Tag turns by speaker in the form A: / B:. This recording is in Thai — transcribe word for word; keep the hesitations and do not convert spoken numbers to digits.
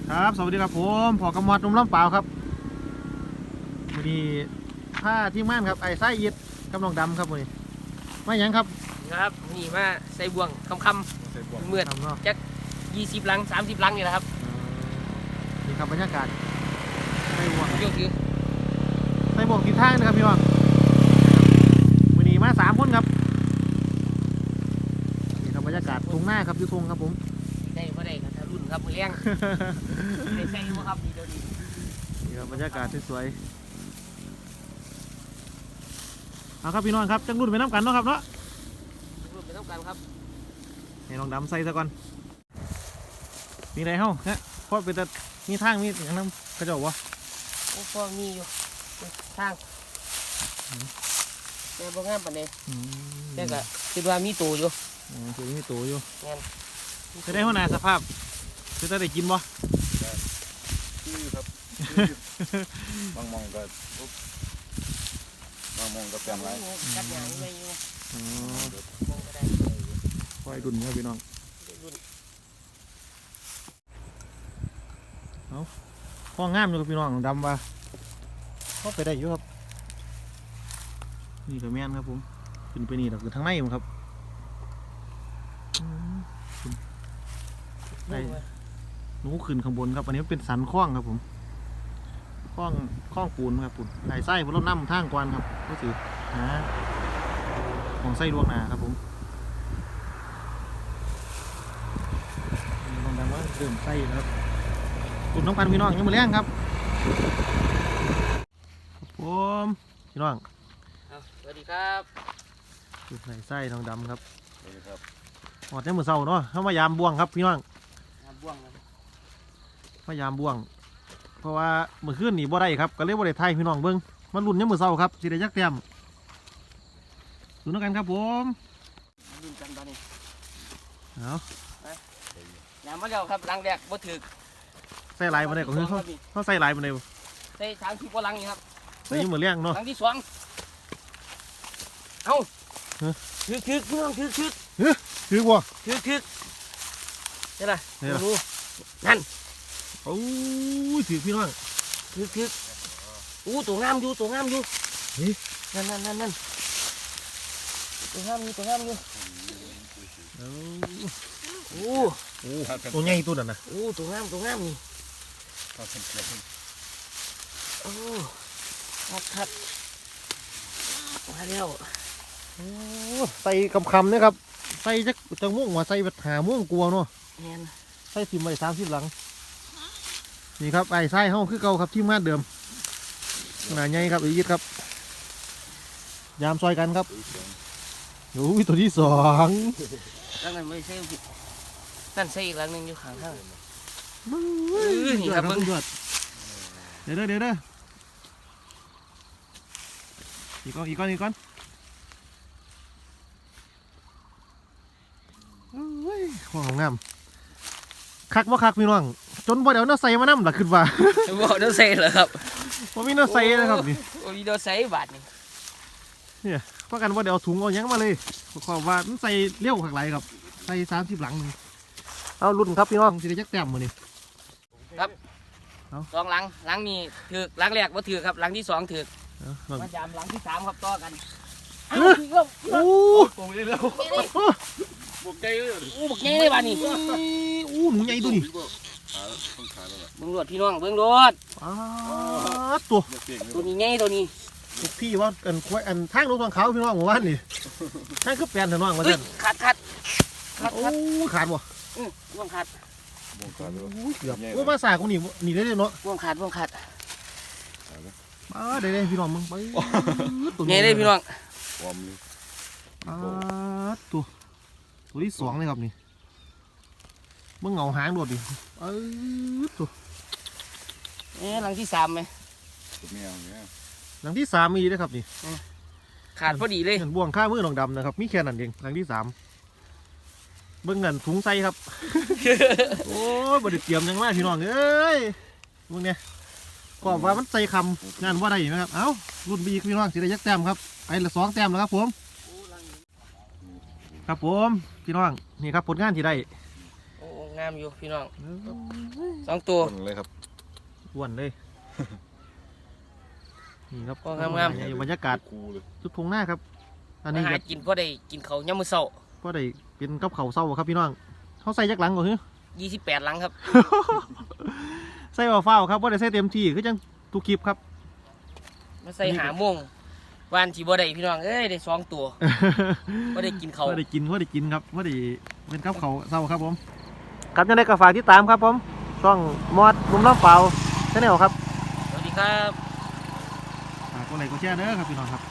A: ครับสวัสดีครับผมพอกำมอดนุ่มล้ำเปล่าครับวันนี้ผ้าที่ม่านครับไอ้ไส้ยิดกำลังดำครับวันนี้ไม่ยังครับ
B: ครับนี่มาใส่บ่วงคำคำเมื่อจักยี่สิบลังสามสิบลังนี่แหละครับ
A: นี่ครับบรรยากาศใส่บ่วง
B: ยกคือ
A: ใส่บ่วงทิศทางนะครับพี่น้องวันนี้มาสามคนครับนี่ครับบรรยากาศทุ่งหน้าครับอยู่ทุ่งครับผม
B: ได้เพราะได้ครับรุ่นครับมือเลี้ยงได้ใส่บ่ครับดีเดียวดี
A: นี่ครับบรรยากาศสวยๆเอาครับพี่น้องครับจังรุ่นไปน้ำกันเนาะครับเนาะ
B: รุ่นไปน้ำกันครับ
A: ให้ลองดำใส่ซะก่อนมีอะไรเฮ้าฮะเพราะเป็นแต่มีทางมีอย่างนั้นกระจกวะ
B: โอ้พ่อมีอยู่ทางแต่บ่งามปานใดแต่ก็คิดว่ามีตัวอยู่
A: อ๋อคือมีตัวอยู่
B: งั้น
A: จะได้หัวหน้าสภาพจะได้กินบ่
C: ชื่อครับบางมองก็บางมองก็แปลงไร
B: กัดหยางไม่อยู่
A: อ๋อมองก็ได้คอยดุนครับพี่น้องเอาข้องามอยู่กับพี่น้องดำว่าเข้าไปได้อยู่ครับนี่ก็แม่นครับผมขึ้นไปนี่เราคือทางในมั้งครับได้หนูขึ้นข้างบนครับอันนี้เป็นสันคล้องครับผมคล้องคล้องปูนครับปูนไอ้ไส้บนรถน้ำทางกวนครับก็ถือหาของไส้ดวงนาครับผมลองดังว่าเริ่มไส้ครับตุ่นน้องกันพี่น้องยังมือแรงครับผมพี่น้อง
B: สวัสดีครับ
A: ตุ่นไส้ทองดำครับ
C: สวัสดีครับ
A: หอดในมือเศร้าเนาะเข้ามายามบ่วงครับพี่น้อง
B: บ่วง
A: มายามบ่วงเพราะว่าเมื่อคืนนี่บ่ได้ครับก็เลยบ่ได้ไทยพี่น้องเบิ้งมันรุ่นในมือเศร้าครับสิได้ยักเต็มตุ่นน้องกันครับผม
B: รุ่นกันตอนนี้
A: เอา
B: น้ำมาแล้วครับลังแรกบ่ถึก
A: ใส่ลายมาได้ก็คือเขาเขาใส่ลายมาได้
B: ใส่สามสิบกว่าลังนี่ครับ
A: ใส่ยิ้มเหมือนเลี้ยงเนาะ
B: ลังที่สองเอ้าถึกถึกพี่น้องถึกถึก
A: ถือบ่
B: ถึกถึกนี่แหละรู้นั่น
A: โอ้ยถือพี่น้อง
B: ถึกถึกอู้ตัวงามอยู่ตัวงามอยู่นั่นนั่นนั่นนั่นตัวงามอยู่ตัวงามอยู่โอ้
A: โอ้ตัวใหญ่ตัวนั้นนะ
B: โอ้ตัวงามตัวงามนี่โอ้คัดคัดมาแล้ว
A: โอ้ใส่คำคำเนี่ยครับใส่จักจังม่วงว่าใส่แบบหาม่วงกลัวเนาะใส่ทิมไว้สามสิบหลังนี่ครับไอ้ไส้ห้องคือเก่าครับที่มาเดิมขนาดใหญ่ครับอีกครับยามซอยกันครับโอ้ยตัวที่สอง
B: แล้วนั่นไม่ใช่นั่นใช่อีกหลังหนึ่งอยู่ข้างข้าง
A: นี่ครับมึงเดี๋ยวเด้อเดี๋ยวเด้ออีกก้อนอีกก้อนอีกก้อนของงามคักว่าคักพี่น้องจนบ่เดี๋ยวน่าใส่มาน้ำหลักขึ้นว่า
B: บ่เดี๋ยวใส่เหรอครับ
A: ผมมีน่าใส่นะครับนี่
B: โอ้ยเดี๋ยวใส่บาทนี่
A: เนี่ยเพราะกันว่าเดี๋ยวถุงเอายังมาเลยขอว่ามันใส่เลี้ยวขักไหลครับใส่สามสิบหลังเอารุ่นครับพี่น้องสิได้จักแต้มมานี่
B: ครับสองหลังหลังนี้ถือหลังแรกว่าถือครับหลังที่สองถือมาจามหลังที่สามครับต่อกัน
A: โอ้
C: โหเร็วบุกใจเลย
B: โอ้บุกใจเลยบ้านี่
A: โอ้หนูใหญ่ตัวนี้
B: เบิ้งรวดพี่น้องเบิ้งรวด
A: ตัว
B: ตัวนี้ใหญ่ตัวนี้
A: พี่ว่าอันควายอันทางรถทางเขาพี่น้องหมู่บ้านนี่ทางคือแปลนถนนมาเส้น
B: ขาดขาด
A: ขาดโอ้ขาดบ่
B: อือวงขาด
C: วงขาด
A: เกือบโอ้มาสากูนี่นี่ได้เลยเนาะ
B: วงขาดวงขาด
A: มาได้เลยพี่น้องมึงไป
B: ตัวใหญ่เลยพี่น้อง
A: ตัวตัวที่สองเลยครับนี่มึงเงาหางโดดดิเออตัว
B: เอ๊ะหลังที่สามไหม
A: หลังที่สามมีด้วยครับนี่
B: ขาดพอดีเลย
A: เห็นบ่วงข้ามือหนองดำนะครับมีแค่นั้นเองหลังที่สามเบิ้งเงินถุงไส้ครับโอ้ยบริเตรียมยังมากพี่น้องเอ้ยมึงเนี่ยก็ว่ามันใส่คำงานว่าได้ไหมครับเอ้ารุ่นบีพี่น้องสิได้ยักแต้มครับไปละสองแต้มแล้วครับผมครับผมพี่น้องนี่ครับผลงานที่ได้
B: โอ้งงามอยู่พี่น้องสองตัว
C: คนเลยครับ
A: อ้วนเลย นี่ครับ
B: โอ้งามๆ
A: นี่บรรยากาศ
C: คูเลย
A: สุดทงหน้าครับ อันนี้
B: มาหา
A: ก็
B: กินพอได้กินเขาวยามมื้อเช้า
A: ก็ได้เป็นกับเขาวเศร้าครับพี่น้องเขาใส่จักหลังก่อน เหรอ
B: ยี่สิบแปดหลังครับ
A: ใส่เฝ้าวๆครับว่าได้ใส่เต็มที่คือจังทุกคลิปครับ
B: มาใส่หาโมงวานที่บ่ได้พี่น้องเอ้ยได้สองตัวบ่ได้กินเขาว
A: ว่าได้กินว่าได้กินครับว่าได้เป็นกับเขาวเศร้าครับผมครับยังได้กระฝากที่ตามครับผมช่องมอดมุมน้ำเปล่าชาแนลครับ
B: สวัสดีครับ
A: ฝากกดไลค์กดแชร์เด้อครับพี่น้องครับ